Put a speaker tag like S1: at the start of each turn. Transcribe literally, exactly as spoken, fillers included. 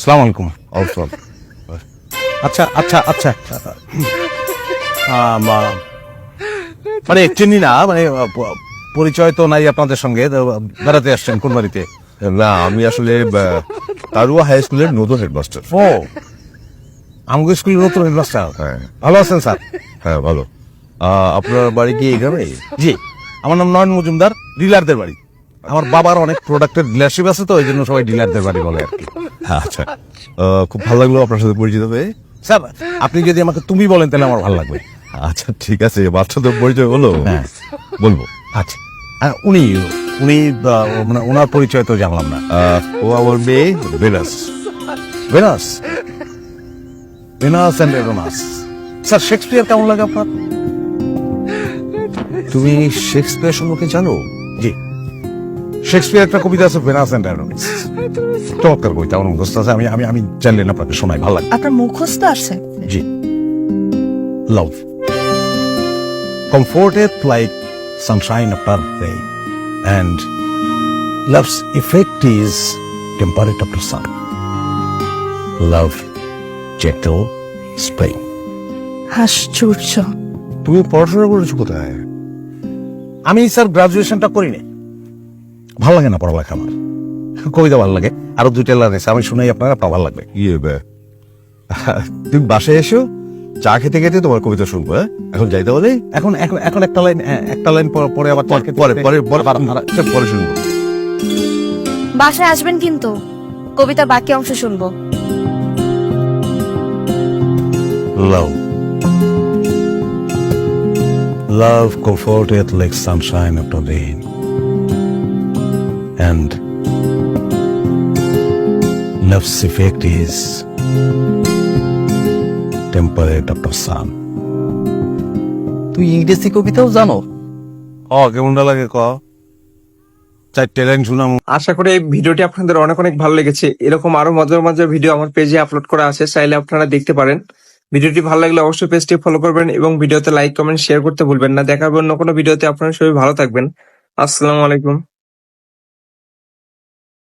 S1: আসসালামু আলাইকুম।
S2: অবসর
S1: আচ্ছা আচ্ছা আচ্ছা আম, আহ, মানে চিনি না, মানে আহ, প- পরিচয় তো নাই আপনাদের সঙ্গে, তো বেড়াতে আসছেন কোন বাড়িতে?
S2: না, আমি আসলে আহ, তারুয়া হাই স্কুলের নতুন হেডমাস্টার।
S1: ও, আমগো স্কুলের নতুন হেডমাস্টার।
S2: হ্যাঁ
S1: ভালো আছেন স্যার?
S2: হ্যাঁ ভালো। আহ, আপনার বাড়ি কি এই গ্রামে?
S1: জি, আমার নাম নয়ন মজুমদার, ডিলারদের বাড়ি। আমার বাবার অনেক প্রোডাক্টের ডিলারশিপ আছে, তো এই জন্য সবাই ডিলারদের বাড়ি বলে আর কি।
S2: আচ্ছা, আহ, খুব ভালো লাগলো আপনার সাথে পরিচিত হয়ে।
S1: স্যার, আপনি যদি আমাকে তুমি বলেন তাহলে আমার ভালো লাগবে।
S2: আচ্ছা ঠিক আছে, বাচ্চাদের পরিচয় হলো,
S1: হ্যাঁ।
S2: বলবো।
S1: আচ্ছা, আর উনি উনি আহ, মানে ওনার পরিচয় তো জানলাম না।
S2: আহ, ও আমার মেয়ে Venus.
S1: Venus, Venus and Uranus. Sir, Shakespeare কেমন লাগে আপনার?
S2: তুমি শেক্সপিয়ার সম্পর্কে জানো?
S1: জি, শেক্সপিয়ার একটা কবিতা আছে, ভেনাস অ্যান্ড এরোনাস। চমৎকার কবিতা, আমার মুখস্থ আছে। আমি আমি আমি জানলেন আপনাকে শোনাই, ভালো লাগে।
S3: আপনার মুখস্থ আছে?
S1: জি। Love comforteth like sunshine after rain, and love's effect is temperate after sun. Love gentle spring.
S3: আশ্চর্য।
S2: তুমি পড়াশোনা করেছো কোথায়?
S1: আমি স্যার গ্রাজুয়েশনটা করিনি, ভালো লাগে না পড়ালেখা আমার। কবিতা ভালো লাগে, আরো দুইটা লাইন আছে, আমি শুনাই আপনার, আপনার ভালো লাগবে।
S2: ইয়ে বে, তুমি বাসায় এসো, চা খেতে খেতে তোমার কবিতা শুনবো। হ্যাঁ, এখন যাইতে বলে?
S1: এখন এখন এখন একটা লাইন, হ্যাঁ, একটা লাইন পরে পরে আবার
S2: পরে পরে পরে পরে পরে শুনবো।
S4: বাসায় আসবেন কিন্তু, কবিতার বাকি অংশ শুনবো।
S1: Love. Love comforteth like sunshine after rain, and love's effect is temperate after sun.
S5: তুই ইংরেজি কবিতাও জানো?
S1: ও, কেমনটা লাগে ক? চারটে লাইন শুনাম।
S6: আশা করি এই ভিডিওটি আপনাদের অনেক অনেক ভালো লেগেছে। এরকম আরো মজার মজার ভিডিও আমার পেজে আপলোড করা আছে, চাইলে আপনারা দেখতে পারেন। ভিডিওটি ভালো লাগলে অবশ্যই পেজটি ফলো করবেন এবং ভিডিওতে লাইক কমেন্ট শেয়ার করতে ভুলবেন না। দেখা হবে অন্য কোনো ভিডিওতে। আপনারা সবাই ভালো থাকবেন। আসসালামু আলাইকুম।